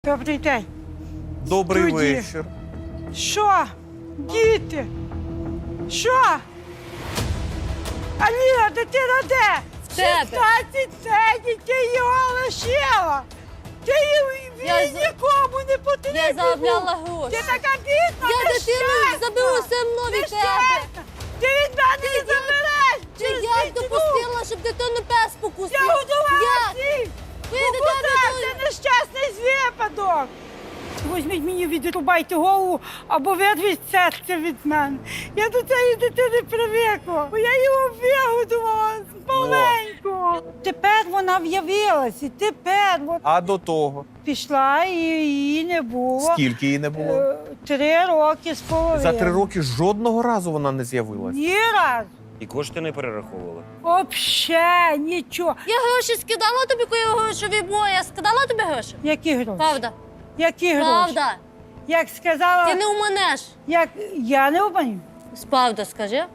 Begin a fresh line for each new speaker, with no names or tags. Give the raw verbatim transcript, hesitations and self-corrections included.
Добрий день.
Добрий
Студія.
вечір.
Що? Діти? Що? Аліна, дитина де?
В тебе.
шістнадцять день, ти його лишила. Ти її
Я
він
за-
нікому не потрібен.
Я заробляла
був.
гроші.
Ти така бідна,
Я дитину
нещасна.
заберу все одно від тебе.
Нещасна. Ти від мене не забереш.
Чи
через
я
дитину.
допустила, щоб дитину пес покусив?
Я годувала
Я.
всіх.
Ви
Покусав,
дитину...
це нещасний випадок. Візьміть мені, відрубайте голову або вирвіть серце від мене. Я до цієї дитини привикла, бо я його вигодувала маленько. Тепер вона в'явилась, і тепер вона
А до того?
пішла, і її не було.
Скільки її не було?
Е, Три роки з половиною.
За три роки жодного разу вона не з'явилась.
Ні разу.
І кошти не перераховували.
Вообще нічого.
Я гроші скидала тобі, коли грошові бої. Я скидала тобі гроші?
Які гроші?
Правда.
Які гроші?
Правда.
Як сказала,
Ти не уманеш.
як я не обманю.
Правда, скажи.